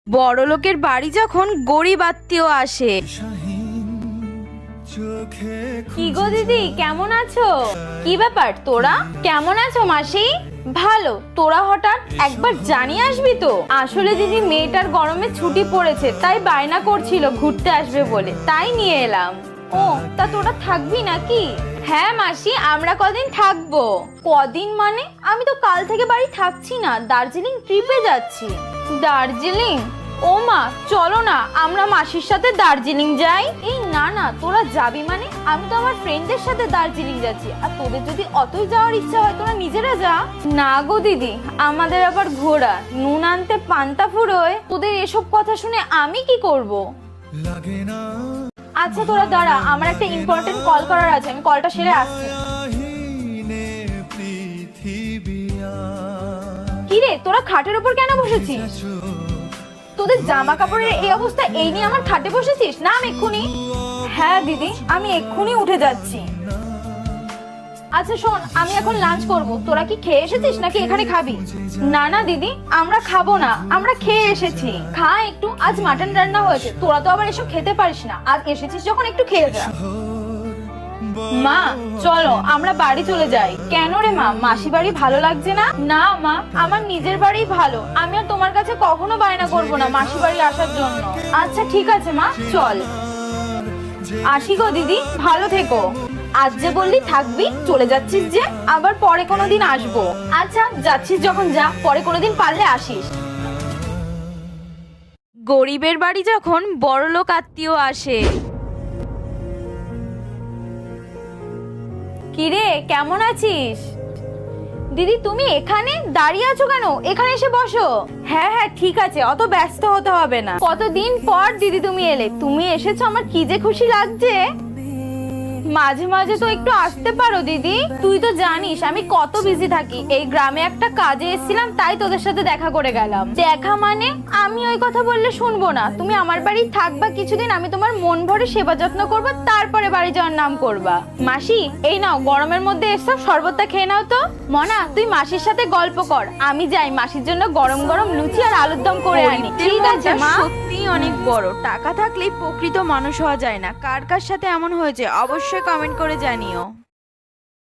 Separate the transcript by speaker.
Speaker 1: বড়লোকের বাড়ি যখন গরিব আত্মীয় আসে। কি গো দিদি, কেমন আছো? কি ব্যাপার, তোরা কেমন আছো? মাসি ভালো, তোরা হঠাৎ একবার জানিয়ে আসবি তো? আসলে দিদি, মেয়েটার গরমে ছুটি পড়েছে, তাই বায়না করছিল ঘুরতে আসবে বলে, তাই নিয়ে এলাম। ও, তা তোরা থাকবি নাকি? হ্যাঁ মাসি, আমরা কদিন থাকবো। কদিন মানে? আমি তো কাল থেকে বাড়ি থাকছি না, দার্জিলিং ট্রিপে যাচ্ছি। দার্জিলিং? ও মা, চলো না আমরা মাসির সাথে দার্জিলিং যাই। এই না না, তোরা যাবি মানে? আমি তো আমার ফ্রেন্ডদের সাথে দার্জিলিং যাচ্ছি, আর তোদের যদি অতই যাওয়ার ইচ্ছা হয় তোরা নিজেরা যা। না গো দিদি, আমাদের আবার ঘোরা, নুন আনতে পান্তা ফুরোয়, তোদের এসব কথা শুনে আমি কি করব? আচ্ছা তোরা দাঁড়া, আমার একটা ইম্পর্টেন্ট কল করার আছে, আমি কলটা সেরে আসছি। কি রে, তোরা খাটের উপর কেন বসেছিস? তোদের জামা কাপড়ের এই অবস্থা, এই নিয়ে আমার খাটে বসেছিস? না আমি এক্ষুনি। হ্যাঁ দিদি, আমি এক্ষুনি উঠে যাচ্ছি। আচ্ছা শোন, আমি এখন লাঞ্চ করব, তোরা কি খেয়ে এসেছিস নাকি এখানে খাবি? না না দিদি, আমরা খাবো না, আমরা খেয়ে এসেছি। খা একটু, আজ মাটন রান্না হয়েছে, তোরা তো আবার এসব খেতে পারিস না, আজ এসেছিস যখন একটু খেয়ে যা। মা চলো আমরা বাড়ি চলে যাই। কেন রে মা, মাসি বাড়ি ভালো লাগছে না? না মা, আমার নিজের বাড়ি ভালো, আমি আর তোমার কাছে কখনো বায়না করবো না মাসি বাড়ি আসার জন্য। আচ্ছা ঠিক আছে মা, চল। আসি গো দিদি, ভালো থেকো। আজ যে বললি থাকবি, চলে যাচ্ছিস যে, আবার পরে কোনোদিন আসবো। আচ্ছা যাচ্ছিস যখন যা, পরে কোনোদিন পারলে আসিস। গরিবের বাড়ি যখন বড়লোক আত্মীয় আসে। কিরে, কেমন আছিস? দিদি তুমি এখানে দাঁড়িয়ে আছো কেন? এখানে এসে বসো। হ্যাঁ হ্যাঁ ঠিক আছে, অত ব্যস্ত হতে হবে না। কতদিন পর দিদি তুমি এলে, তুমি এসেছো, আমার কি যে খুশি লাগছে। মাঝে মাঝে তো একটু আসতে পারো দিদি, তুই তো জানিস আমি কত বিজি থাকি। এই গ্রামে একটা কাজে এসেছিলাম, তাই তোদের সাথে দেখা করে গেলাম। দেখা মানে? আমি ওই কথা বললে শুনবো না। তুমি আমার বাড়ি থাকবা কিছুদিন, আমি তোমার মন ভরে সেবা যত্ন করবো, তারপরে বাড়ি যাওয়ার নাম করবা। মাসি এই নাও, গরমের মধ্যে এসব শরবতটা খেয়ে নাও তো। মনা তুই মাসির সাথে গল্প কর, আমি যাই মাসির জন্য গরম গরম লুচি আর আলুর দম করে আনি। ঠিক আছে মা। সত্যি অনেক বড়, টাকা থাকলেই প্রকৃত মানুষ হওয়া যায় না। কার কার সাথে এমন হয়েছে অবশ্যই কমেন্ট করে জানিও।